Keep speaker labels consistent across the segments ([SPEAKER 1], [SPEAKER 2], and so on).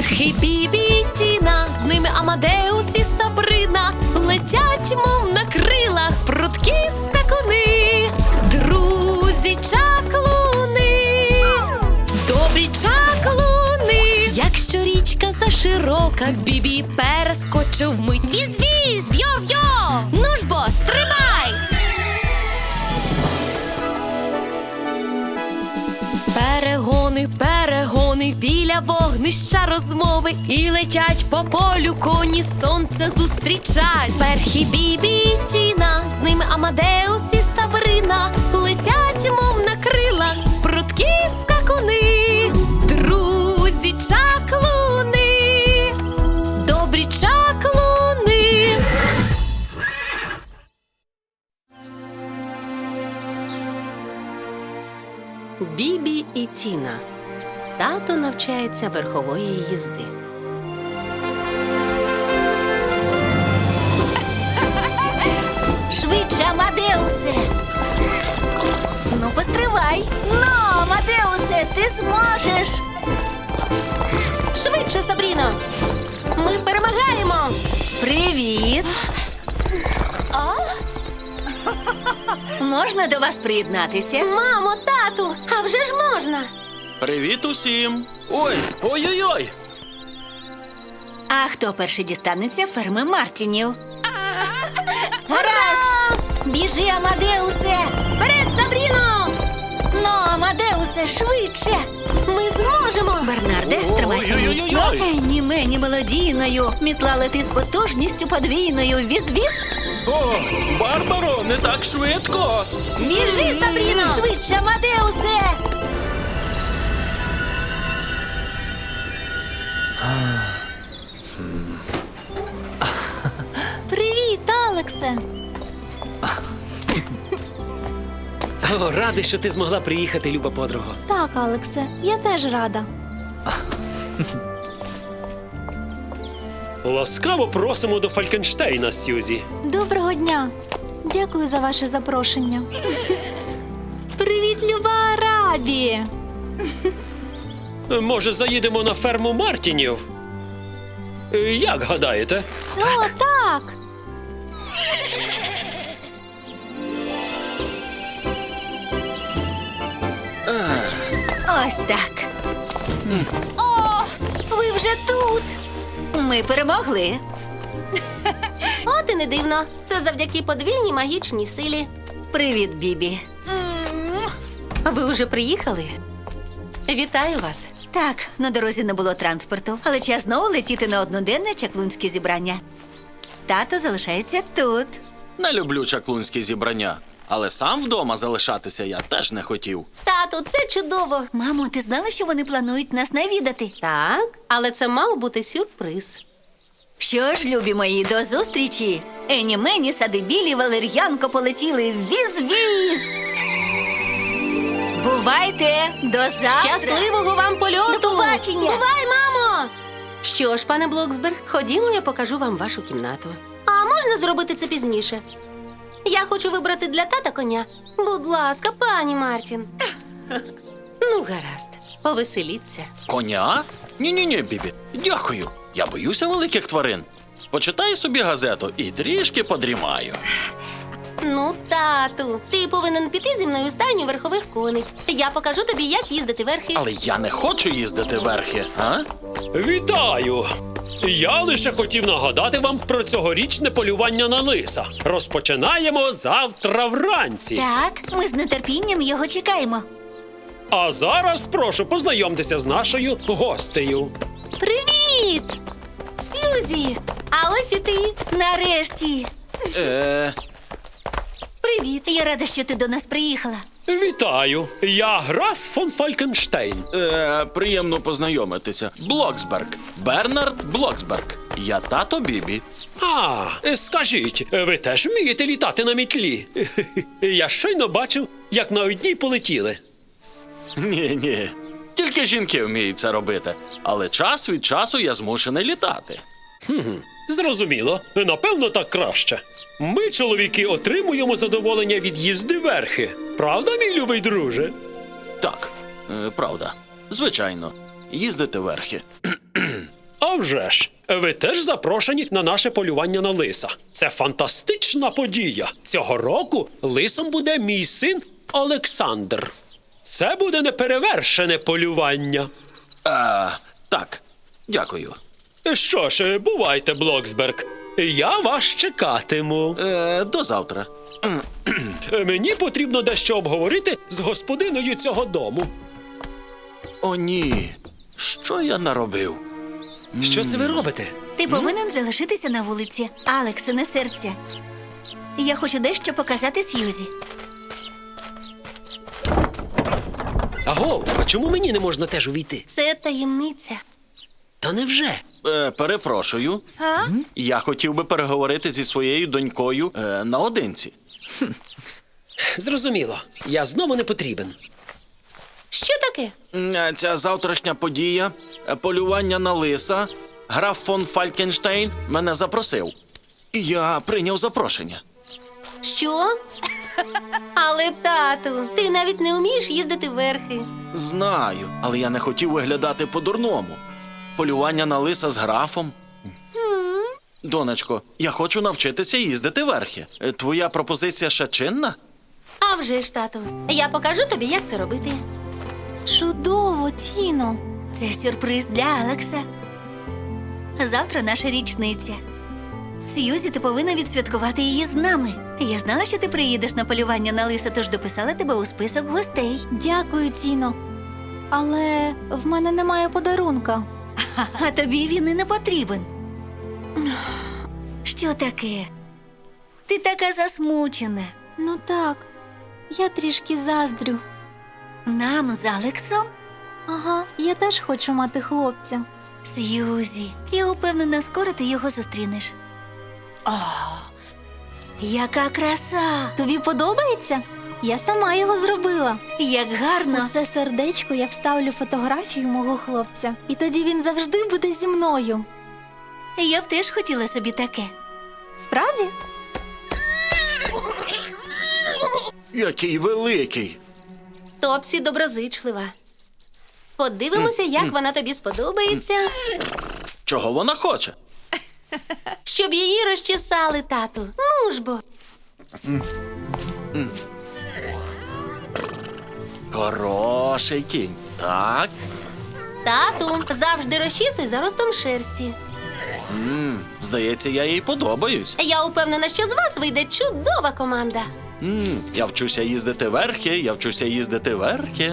[SPEAKER 1] Верхи Бібі і Тіна, з ними Амадеус і Сабрина. Летять, мов на крилах, прудкі скакуни. Друзі чаклуни, добрі чаклуни. Якщо річка заширока, Бібі перескочив вмить. Віз-віз, йо-йо, ну ж бо, стрибай! Перегони, перегони, біля вогнища розмови. І летять по полю коні, сонце зустрічать. Верхи Бібі і Тіна, з ними Амадеус і Сабрина. Летять, мов на крилах, прудкі скакуни. Друзі чаклуни, добрі чаклуни.
[SPEAKER 2] Бібі і Тіна. Тато навчається верхової їзди.
[SPEAKER 3] Швидше, Амадеусе! Ну, постривай! Ну, Амадеусе, ти зможеш!
[SPEAKER 2] Швидше, Сабріно! Ми перемагаємо!
[SPEAKER 3] Привіт! Можна до вас приєднатися?
[SPEAKER 2] Мамо, тату, а вже ж можна!
[SPEAKER 4] Привіт усім! Ой-ой-ой!
[SPEAKER 3] А хто перший дістанеться ферми Мартінів? Гаразд! Біжи, Амадеусе!
[SPEAKER 2] Вперед, Сабріно!
[SPEAKER 3] Ну, Амадеусе, швидше!
[SPEAKER 2] Ми зможемо!
[SPEAKER 3] Бернарде, тримайся міцно.
[SPEAKER 4] Ой-ой-ой-ой.
[SPEAKER 3] Ні мені мелодійною, мітла лети з потужністю подвійною. Віз-віз!
[SPEAKER 4] О, Барбаро, не так швидко!
[SPEAKER 2] Біжи, Сабріно!
[SPEAKER 3] Швидше, Амадеусе!
[SPEAKER 1] Привіт, Алексе!
[SPEAKER 5] О, радий, що ти змогла приїхати, люба подруго.
[SPEAKER 1] Так, Алексе, я теж рада.
[SPEAKER 5] Ласкаво просимо до Фалькенштейна, Сьюзі.
[SPEAKER 1] Доброго дня. Дякую за ваше запрошення. Привіт, люба Арабі!
[SPEAKER 5] Може, заїдемо на ферму Мартінів? Як гадаєте?
[SPEAKER 1] О, так!
[SPEAKER 3] Ось так. О, ви вже тут. Ми перемогли.
[SPEAKER 2] От і не дивно. Це завдяки подвійній магічній силі.
[SPEAKER 3] Привіт, Бібі.
[SPEAKER 2] Ви вже приїхали? Вітаю вас.
[SPEAKER 3] Так, на дорозі не було транспорту, але час знову летіти на одноденне чаклунське зібрання. Тато залишається тут.
[SPEAKER 4] Не люблю чаклунські зібрання, але сам вдома залишатися я теж не хотів.
[SPEAKER 2] Тату, це чудово.
[SPEAKER 3] Мамо, ти знала, що вони планують нас навідати?
[SPEAKER 2] Так, але це мав бути сюрприз.
[SPEAKER 3] Що ж, любі мої, до зустрічі! Ені мені, сади білі, валер'янко полетіли. Віз-віз! Бувайте! До завтра!
[SPEAKER 2] Щасливого вам польоту!
[SPEAKER 3] До побачення!
[SPEAKER 2] Бувай, мамо! Що ж, пане Блоксберг, ходімо, я покажу вам вашу кімнату. А можна зробити це пізніше? Я хочу вибрати для тата коня. Будь ласка, пані Мартін. Ну, гаразд, повеселіться.
[SPEAKER 4] Коня? Ні-ні-ні, Бібі, дякую. Я боюся великих тварин. Почитаю собі газету і трішки подрімаю.
[SPEAKER 2] Ну, тату, ти повинен піти зі мною у стайню верхових коней. Я покажу тобі, як їздити верхи.
[SPEAKER 4] Але я не хочу їздити верхи, а?
[SPEAKER 5] Вітаю! Я лише хотів нагадати вам про цьогорічне полювання на лиса. Розпочинаємо завтра вранці.
[SPEAKER 3] Так, ми з нетерпінням його чекаємо.
[SPEAKER 5] А зараз прошу познайомтеся з нашою гостею.
[SPEAKER 2] Привіт! Сьюзі! А ось і ти.
[SPEAKER 3] Нарешті!
[SPEAKER 2] Привіт.
[SPEAKER 3] Я рада, що ти до нас приїхала.
[SPEAKER 5] Вітаю! Я граф фон Фалькенштейн.
[SPEAKER 4] Приємно познайомитися. Блоксберг. Бернард Блоксберг. Я тато Бібі.
[SPEAKER 5] А, скажіть, ви теж вмієте літати на мітлі? Я щойно бачив, як на одній полетіли.
[SPEAKER 4] Ні. Тільки жінки вміють це робити. Але час від часу я змушений літати.
[SPEAKER 5] Зрозуміло. Напевно, так краще. Ми, чоловіки, отримуємо задоволення від їзди верхи. Правда, мій любий друже?
[SPEAKER 4] Так, правда. Звичайно. Їздити верхи.
[SPEAKER 5] А вже ж! Ви теж запрошені на наше полювання на лиса. Це фантастична подія. Цього року лисом буде мій син Олександр. Це буде неперевершене полювання.
[SPEAKER 4] Так, дякую.
[SPEAKER 5] Що ж, бувайте, Блоксберг. Я вас чекатиму.
[SPEAKER 4] До завтра.
[SPEAKER 5] Мені потрібно дещо обговорити з господиною цього дому.
[SPEAKER 4] О, ні. Що я наробив?
[SPEAKER 5] Що це ви робите?
[SPEAKER 3] Ти повинен залишитися на вулиці. Алексе, не серця. Я хочу дещо показати Сьюзі.
[SPEAKER 5] Аго, а чому мені не можна теж увійти?
[SPEAKER 2] Це таємниця.
[SPEAKER 5] Та невже?
[SPEAKER 4] Перепрошую. Я хотів би переговорити зі своєю донькою наодинці.
[SPEAKER 5] Зрозуміло. Я знову не потрібен.
[SPEAKER 2] Що таке?
[SPEAKER 4] Ця завтрашня подія, полювання на лиса, граф фон Фалькенштейн мене запросив. І я прийняв запрошення.
[SPEAKER 2] Що? Але, тату, ти навіть не вмієш їздити верхи.
[SPEAKER 4] Знаю, але я не хотів виглядати по-дурному. Полювання на лиса з графом. Донечко, я хочу навчитися їздити верхи. Твоя пропозиція ще чинна?
[SPEAKER 2] А вже ж, тату, я покажу тобі, як це робити.
[SPEAKER 1] Чудово, Тіно.
[SPEAKER 3] Це сюрприз для Алекса. Завтра наша річниця. Сьюзі, ти повинна відсвяткувати її з нами. Я знала, що ти приїдеш на полювання на лиса, тож дописала тебе у список гостей.
[SPEAKER 1] Дякую, Тіно. Але в мене немає подарунка.
[SPEAKER 3] А тобі він і не потрібен. Що таке? Ти така засмучена.
[SPEAKER 1] Ну так, я трішки заздрю.
[SPEAKER 3] Нам з Алексом?
[SPEAKER 1] Ага, я теж хочу мати хлопця.
[SPEAKER 3] Сьюзі, я упевнена, скоро ти його зустрінеш. О, яка краса!
[SPEAKER 1] Тобі подобається? Я сама його зробила.
[SPEAKER 3] Як гарно!
[SPEAKER 1] У це сердечко я вставлю фотографію мого хлопця. І тоді він завжди буде зі мною.
[SPEAKER 3] Я б теж хотіла собі таке.
[SPEAKER 1] Справді?
[SPEAKER 4] Який великий!
[SPEAKER 2] Топсі доброзичлива. Подивимося, як вона тобі сподобається.
[SPEAKER 4] Чого вона хоче?
[SPEAKER 2] Щоб її розчесали, тату. Ну ж бо.
[SPEAKER 4] Хороший кінь. Так.
[SPEAKER 2] Тату, завжди розчісуй за ростом шерсті.
[SPEAKER 4] Здається, я їй подобаюсь.
[SPEAKER 2] Я упевнена, що з вас вийде чудова команда.
[SPEAKER 4] Я вчуся їздити верхи, я вчуся їздити верхи.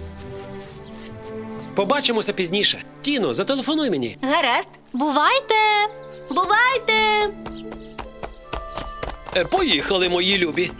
[SPEAKER 5] Побачимося пізніше. Тіно, зателефонуй мені.
[SPEAKER 3] Гаразд.
[SPEAKER 1] Бувайте!
[SPEAKER 2] Бувайте!
[SPEAKER 5] Поїхали, мої любі.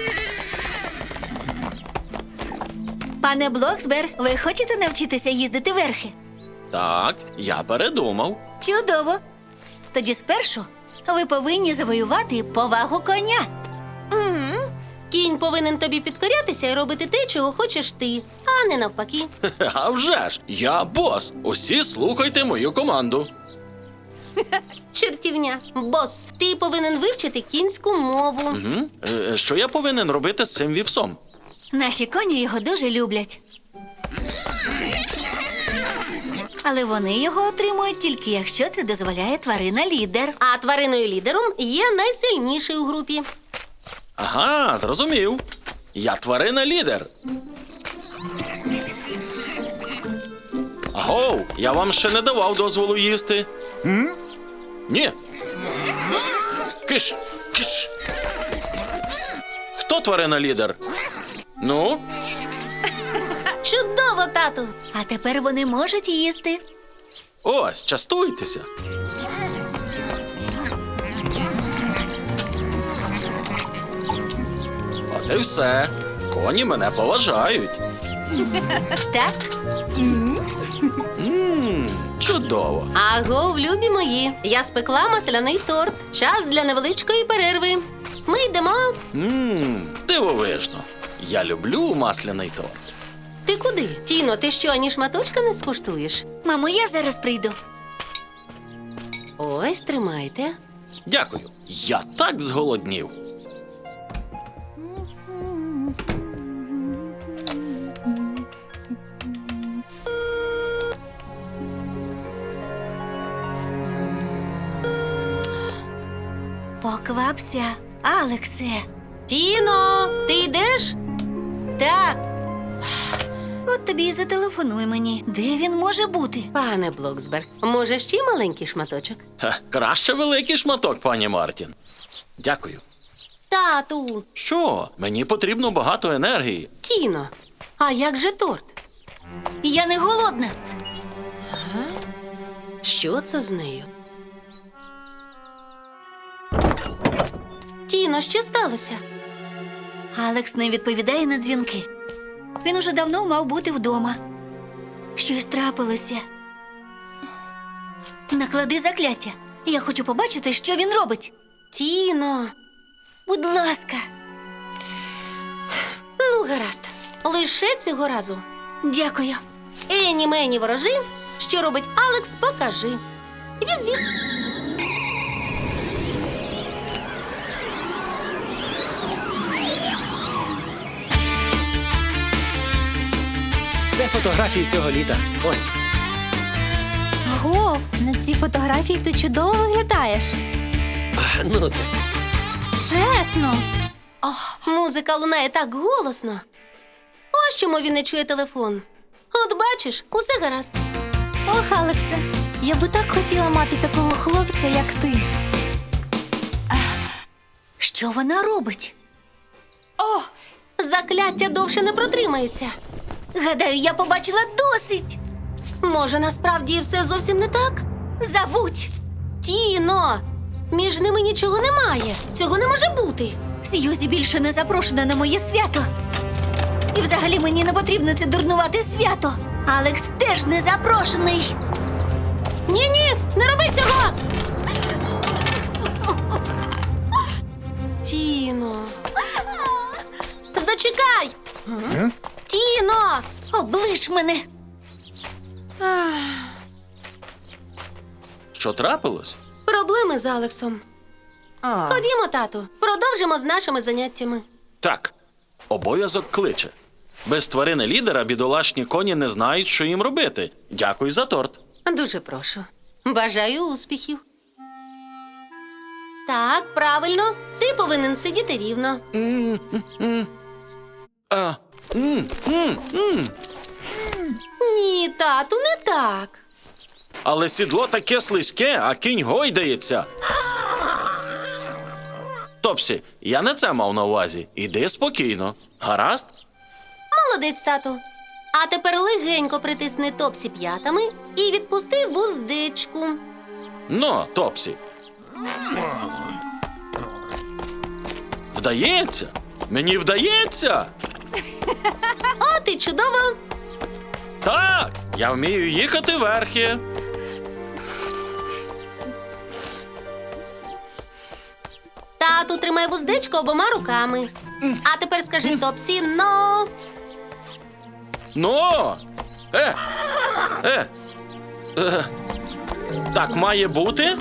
[SPEAKER 3] Пане Блоксберг, ви хочете навчитися їздити верхи?
[SPEAKER 4] Так, я передумав.
[SPEAKER 3] Чудово. Тоді спершу ви повинні завоювати повагу коня.
[SPEAKER 2] Кінь повинен тобі підкорятися і робити те, чого хочеш ти, а не навпаки.
[SPEAKER 4] А вже ж, я бос. Усі слухайте мою команду.
[SPEAKER 2] Чертівня, бос, ти повинен вивчити кінську мову.
[SPEAKER 4] Що я повинен робити з цим вівсом?
[SPEAKER 3] Наші коні його дуже люблять. Але вони його отримують тільки якщо це дозволяє тварина-лідер.
[SPEAKER 2] А твариною лідером є найсильніший у групі.
[SPEAKER 4] Ага, зрозумів. Я тварина-лідер. Агов, я вам ще не давав дозволу їсти. Ні. Киш, киш. Хто тварина-лідер? Ну?
[SPEAKER 2] Чудово, тату!
[SPEAKER 3] А тепер вони можуть їсти.
[SPEAKER 4] Ось, частуйтеся. От і все. Коні мене поважають.
[SPEAKER 3] Так?
[SPEAKER 4] Чудово.
[SPEAKER 2] Агов, любі мої, я спекла масляний торт. Час для невеличкої перерви. Ми йдемо.
[SPEAKER 4] Дивовижно. Я люблю масляний торт.
[SPEAKER 2] Ти куди? Тіно, ти що, ані шматочка не скуштуєш?
[SPEAKER 3] Мамо, я зараз прийду.
[SPEAKER 2] Ось, тримайте.
[SPEAKER 4] Дякую. Я так зголоднів.
[SPEAKER 3] Поквапся, Алексе.
[SPEAKER 2] Тіно, ти йдеш?
[SPEAKER 3] Так. От тобі і зателефонуй мені. Де він може бути?
[SPEAKER 2] Пане Блоксберг, може ще маленький шматочок?
[SPEAKER 4] Краще великий шматок, пані Мартін. Дякую.
[SPEAKER 2] Тату,
[SPEAKER 4] Що? Мені потрібно багато енергії.
[SPEAKER 2] Тіно, а як же торт?
[SPEAKER 3] Я не голодна.
[SPEAKER 2] Що це з нею? Тіно, що сталося?
[SPEAKER 3] Алекс не відповідає на дзвінки. Він уже давно мав бути вдома. Щось трапилося. Наклади закляття. Я хочу побачити, що він робить.
[SPEAKER 2] Тіно,
[SPEAKER 3] Будь ласка.
[SPEAKER 2] ну гаразд. Лише цього разу.
[SPEAKER 3] Дякую.
[SPEAKER 2] Ені мені ворожи, що робить Алекс, покажи. Віз-віз.
[SPEAKER 6] Це фотографії цього літа. Ось.
[SPEAKER 1] Гов, на цій фотографії ти чудово виглядаєш.
[SPEAKER 5] Ну ти.
[SPEAKER 1] Чесно.
[SPEAKER 2] Музика лунає так голосно. Ось чому він не чує телефон. От бачиш, усе гаразд.
[SPEAKER 1] Ох, Алексе, я би так хотіла мати такого хлопця, як ти.
[SPEAKER 3] Що вона робить?
[SPEAKER 2] О, закляття довше не протримається.
[SPEAKER 3] Гадаю, я побачила досить.
[SPEAKER 2] Може, насправді все зовсім не так?
[SPEAKER 3] Забудь.
[SPEAKER 2] Тіно, між ними нічого немає. Цього не може бути.
[SPEAKER 3] Сьюзі більше не запрошена на моє свято. І взагалі мені не потрібно це дурнувате свято. Алекс теж не запрошений.
[SPEAKER 2] Ні-ні, не роби цього! Тіно. Зачекай! Тіно!
[SPEAKER 3] Оближ мене.
[SPEAKER 4] Що трапилось?
[SPEAKER 2] Проблеми з Алексом. Ходімо, тату, продовжимо з нашими заняттями.
[SPEAKER 4] Так, обов'язок кличе. Без тварини лідера бідолашні коні не знають, що їм робити. Дякую за торт.
[SPEAKER 2] Дуже прошу. Бажаю успіхів. Так, правильно. Ти повинен сидіти рівно.
[SPEAKER 4] А,
[SPEAKER 2] Ні, тату, не так.
[SPEAKER 4] але сідло таке слизьке, а кінь гойдається. Топсі, я не це мав на увазі. Іди спокійно. Гаразд?
[SPEAKER 2] Молодець, тату. А тепер легенько притисни Топсі п'ятами і відпусти вуздечку.
[SPEAKER 4] Ну, Топсі. Вдається? Мені вдається?
[SPEAKER 2] От і чудово.
[SPEAKER 4] Так, я вмію їхати верхи.
[SPEAKER 2] Тату, тримай вуздечку обома руками. А тепер скажи Топсі «но».
[SPEAKER 4] Ну. Е. Е. Так має бути?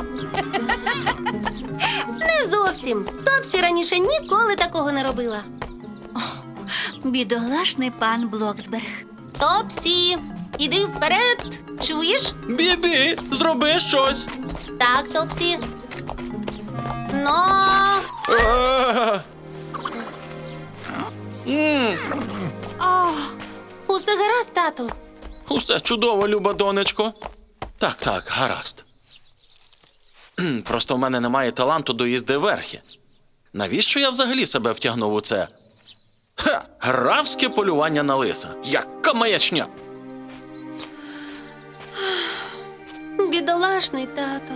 [SPEAKER 2] Не зовсім. Топсі раніше ніколи такого не робила.
[SPEAKER 3] Бідолашний пан Блоксберг.
[SPEAKER 2] Топсі, іди вперед. Чуєш?
[SPEAKER 4] Бібі, зроби щось.
[SPEAKER 2] Так, Топсі. Но.
[SPEAKER 4] Е.
[SPEAKER 2] Усе гаразд, тату.
[SPEAKER 4] Усе чудово, люба донечко. Так, гаразд. Просто в мене немає таланту до їзди верхи. Навіщо я взагалі себе втягнув у це? Графське полювання на лиса. Яка маячня!
[SPEAKER 2] Бідолашний тато.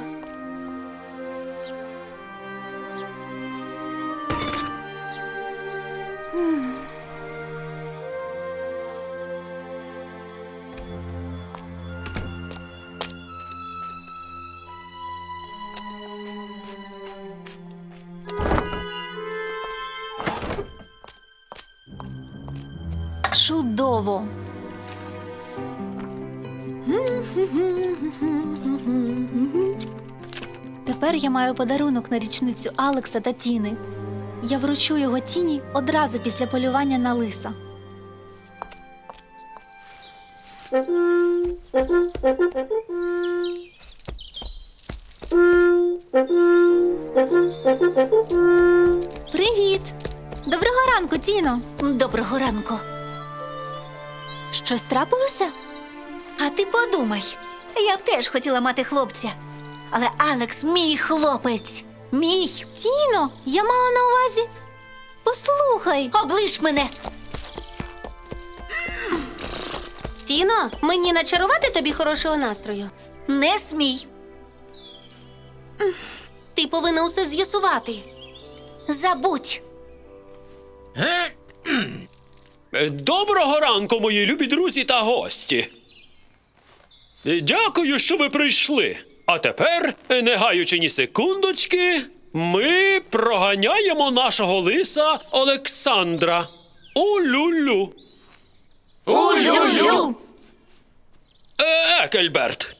[SPEAKER 1] Чудово. Тепер я маю подарунок на річницю Алекса та Тіни. Я вручу його Тіні одразу після полювання на лиса. Привіт! Доброго ранку, Тіно!
[SPEAKER 3] Доброго ранку.
[SPEAKER 1] Щось трапилося?
[SPEAKER 3] А ти подумай, я б теж хотіла мати хлопця. Але Алекс мій хлопець. Мій.
[SPEAKER 1] Тіно, я мала на увазі. Послухай.
[SPEAKER 3] Оближ мене.
[SPEAKER 2] Тіно, мені начарувати тобі хорошого настрою.
[SPEAKER 3] Не смій.
[SPEAKER 2] Ти повинна усе з'ясувати.
[SPEAKER 3] Забудь.
[SPEAKER 5] Доброго ранку, мої любі друзі та гості. Дякую, що ви прийшли. А тепер, не гаючи ні секундочки, ми проганяємо нашого лиса Олександра. У-лю-лю.
[SPEAKER 1] Улю-лю!
[SPEAKER 5] Екельберт.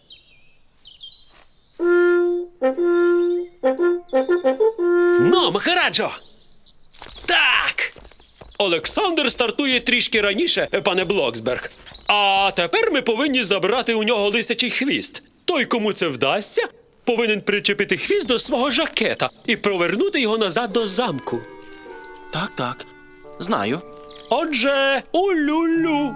[SPEAKER 5] Ну, Махараджо! Так! Олександр стартує трішки раніше, пане Блоксберг. А тепер ми повинні забрати у нього лисячий хвіст. Той, кому це вдасться, повинен причепити хвіст до свого жакета і провернути його назад до замку.
[SPEAKER 4] Так, так. Знаю.
[SPEAKER 5] Отже, у-лю-лю.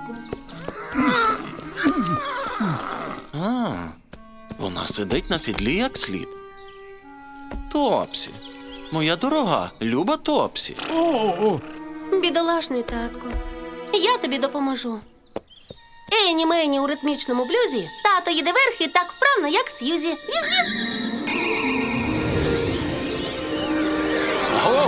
[SPEAKER 4] Вона сидить на сідлі як слід. Топсі. Моя дорога, люба Топсі.
[SPEAKER 2] Бідолашний татко. Я тобі допоможу. Ені мені у ритмічному блюзі тато їде верхи так вправно, як Сьюзі. Віз-віз!
[SPEAKER 4] Гоу!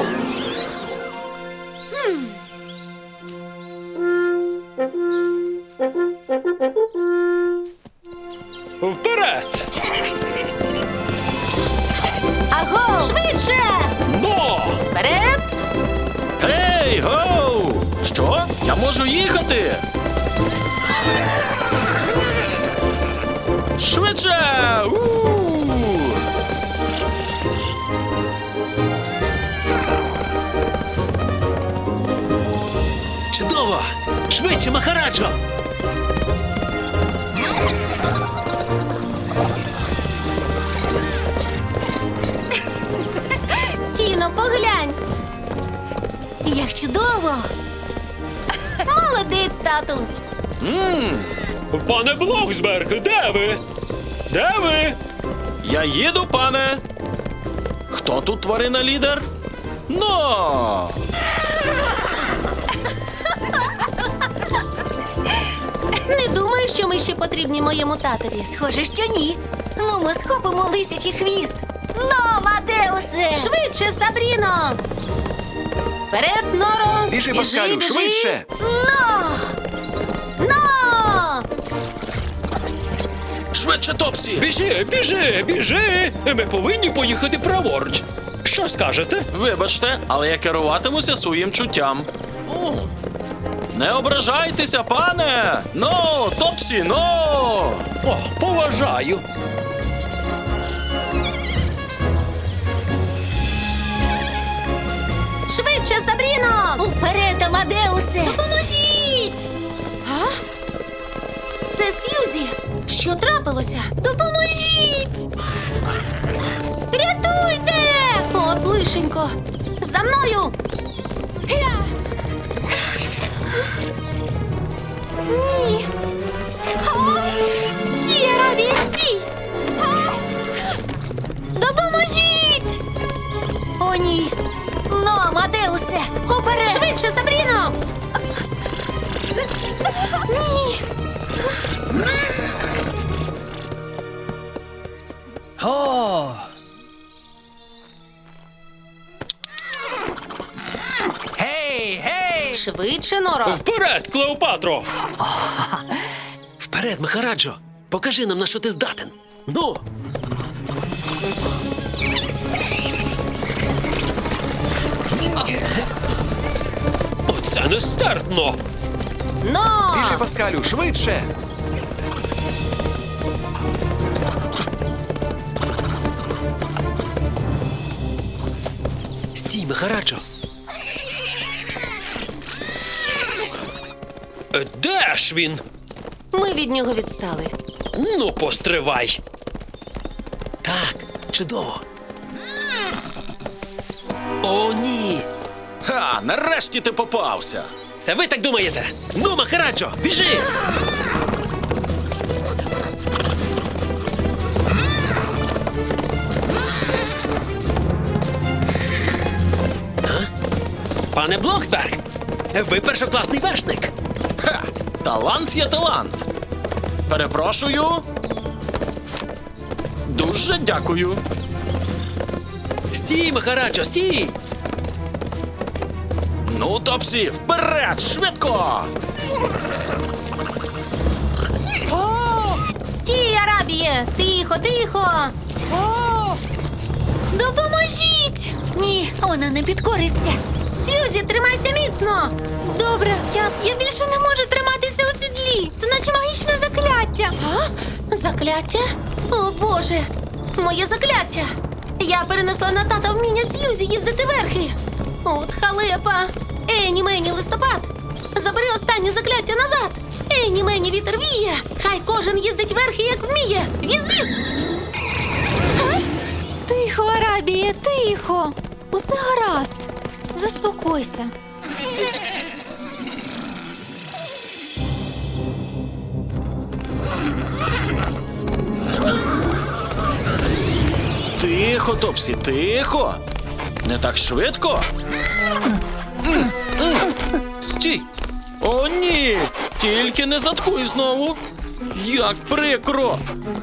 [SPEAKER 5] Вперед!
[SPEAKER 3] Аго!
[SPEAKER 2] Швидше!
[SPEAKER 5] Но!
[SPEAKER 2] Вперед!
[SPEAKER 4] Гей, гоу! Що? Я можу їхати? Швидше! У!
[SPEAKER 5] Чудово! Швидше, Махараджо!
[SPEAKER 2] Тіно, поглянь!
[SPEAKER 3] Як чудово!
[SPEAKER 2] Молодець, тату!
[SPEAKER 5] Пане Блоксберг, де ви? Де ви?
[SPEAKER 4] Я їду, пане. Хто тут тварина лідер? Но!
[SPEAKER 2] Не думаю, що ми ще потрібні моєму татові.
[SPEAKER 3] Схоже, що ні. Ну, ми схопимо лисячий хвіст. Ну, Мадеусе!
[SPEAKER 2] Швидше, Сабріно! Вперед, Норо!
[SPEAKER 7] Біжи, Паскалю, швидше!
[SPEAKER 2] Но!
[SPEAKER 4] Швидше, Топсі!
[SPEAKER 5] Біжи, біжи, біжи! Ми повинні поїхати праворуч. Що скажете?
[SPEAKER 4] Вибачте, але я керуватимуся своїм чуттям. Не ображайтеся, пане! Но, Топсі, но!
[SPEAKER 5] О, поважаю.
[SPEAKER 2] Швидше, Сабріно!
[SPEAKER 3] Уперед, Амадеусе!
[SPEAKER 2] Допоможіть! А? Це Сьюзі! Що трапилося? Допоможіть! Рятуйте! От лишенько! За мною! Ні! Стій, Робі, стій! Допоможіть!
[SPEAKER 3] О, ні! Ну, Амадеусе! Уперед!
[SPEAKER 2] Швидше, Сабріно! Ні!
[SPEAKER 6] О! Гей, гей!
[SPEAKER 2] Швидше, Норо!
[SPEAKER 5] Вперед, Клеопатро!
[SPEAKER 6] Вперед, Махараджо! Покажи нам, на що ти здатен. Ну!
[SPEAKER 5] Оце нестерпно!
[SPEAKER 2] Но!
[SPEAKER 7] Біжи, Паскалю, швидше!
[SPEAKER 6] Стій, Махараджо!
[SPEAKER 5] Де ж він?
[SPEAKER 2] Ми від нього відстали.
[SPEAKER 5] Ну, постривай.
[SPEAKER 6] Так, чудово. О, ні!
[SPEAKER 4] Ха, нарешті ти попався.
[SPEAKER 6] Це ви так думаєте? Ну, Махараджо, біжи! Пане Блоксберг, ви першокласний вершник.
[SPEAKER 4] Ха, талант є талант. Перепрошую. Дуже дякую.
[SPEAKER 6] Стій, Махараджо, стій!
[SPEAKER 4] Ну, Топсі, вперед, швидко!
[SPEAKER 2] Стій, Арабіє! Тихо, тихо!
[SPEAKER 1] Допоможіть!
[SPEAKER 3] Ні, вона не підкориться.
[SPEAKER 2] Сьюзі, тримайся міцно!
[SPEAKER 1] Добре, я більше не можу триматися у сідлі. Це наче магічне закляття.
[SPEAKER 2] Закляття? О, Боже! Моє закляття! Я перенесла на тата вміння Сьюзі їздити верхи. От халепа! Ені мені листопад! Забери останнє закляття назад! Ені мені вітер віє! Хай кожен їздить верхи, як вміє! Віз-віз!
[SPEAKER 1] Тихо, Арабіє, тихо. Усе гаразд. Заспокойся.
[SPEAKER 4] Тихо, Топсі, тихо. Не так швидко. Стій. О, ні. Тільки не заткуй знову. Як прикро.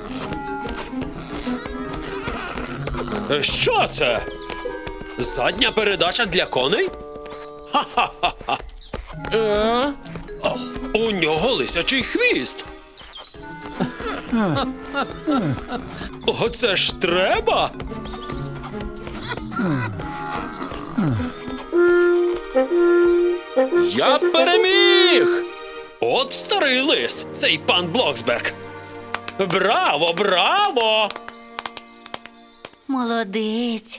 [SPEAKER 5] Що це? Задня передача для коней?
[SPEAKER 4] Е?
[SPEAKER 5] У нього лисячий хвіст. Оце ж треба.
[SPEAKER 4] Я переміг.
[SPEAKER 5] От старий лис, цей пан Блоксберг. Браво, браво!
[SPEAKER 3] Молодець.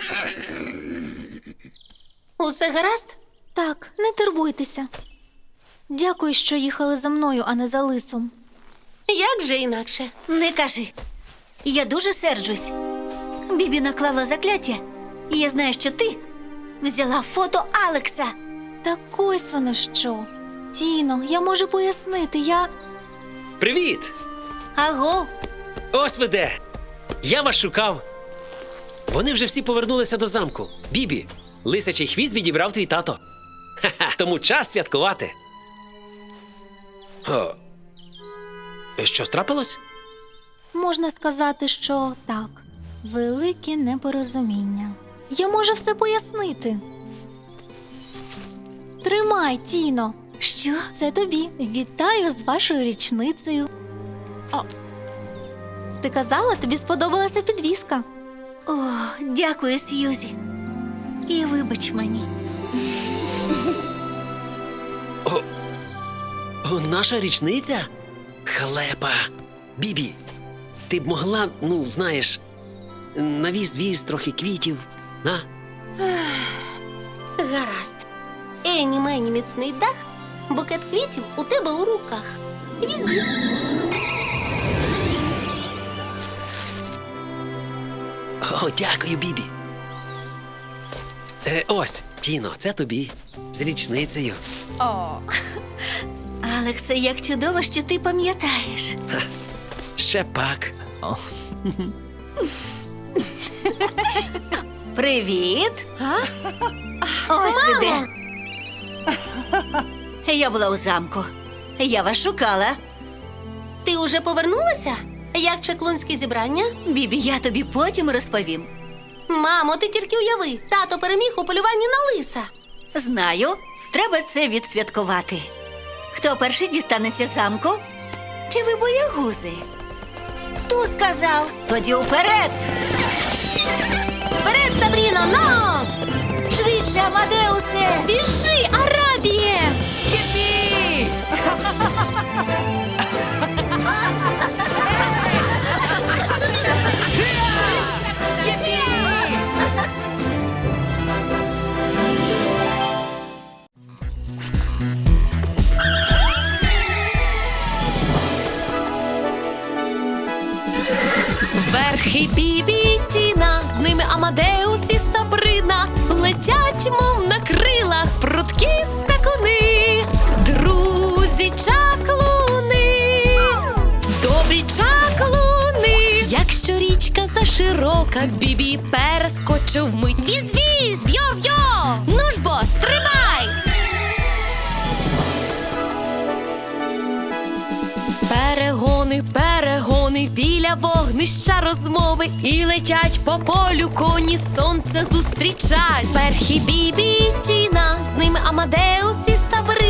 [SPEAKER 2] Усе гаразд?
[SPEAKER 1] Так, не турбуйтеся. Дякую, що їхали за мною, а не за лисом.
[SPEAKER 2] Як же інакше?
[SPEAKER 3] Не кажи. Я дуже серджусь. Бібі наклала закляття. І я знаю, що ти взяла фото Алекса.
[SPEAKER 1] Так ось воно що. Тіно, я можу пояснити,
[SPEAKER 6] Привіт!
[SPEAKER 3] Аго,
[SPEAKER 6] Ось ви де! Я вас шукав. Вони вже всі повернулися до замку. Бібі, лисячий хвіст відібрав твій тато. Ха-ха, тому час святкувати. О, що трапилось?
[SPEAKER 1] Можна сказати, що так. Велике непорозуміння. Я можу все пояснити. Тримай, Тіно.
[SPEAKER 3] що?
[SPEAKER 1] Це тобі. Вітаю з вашою річницею. Ти казала, тобі сподобалася підвіска.
[SPEAKER 3] О, дякую, Сьюзі. І вибач мені.
[SPEAKER 6] Наша річниця? Халепа! Бібі, ти б могла, ну, знаєш, навіз трохи квітів, на?
[SPEAKER 2] Гаразд. Ені мені міцний дах, букет квітів у тебе у руках. Віз-віз.
[SPEAKER 6] О, дякую, Бібі. Ось, Тіно, це тобі. З річницею.
[SPEAKER 3] Алексе, як чудово, що ти пам'ятаєш.
[SPEAKER 6] Ще пак.
[SPEAKER 3] Привіт. Ось ви де. Я була у замку. Я вас шукала.
[SPEAKER 2] Ти уже повернулася? Як чаклунське зібрання?
[SPEAKER 3] Бібі, я тобі потім розповім.
[SPEAKER 2] Мамо, ти тільки уяви, тато переміг у полюванні на лиса.
[SPEAKER 3] Знаю, треба це відсвяткувати. Хто перший дістанеться замку? Чи ви боягузи? Хто сказав? Тоді уперед!
[SPEAKER 2] Вперед, Сабріно, но!
[SPEAKER 3] Швидше, Амадеусе!
[SPEAKER 1] Біжи, Арабіє!
[SPEAKER 8] Верхи Бібі і Тіна, з ними Амадеус і Сабрина. широка, Бібі перескочив вмить. Віз-віз, йо-йо! Ну ж бо, стримай! Перегони, перегони, біля вогнища розмови. І летять по полю коні, сонце зустрічать. Перхі Бібі і Тіна, з ними Амадеус і Сабрина.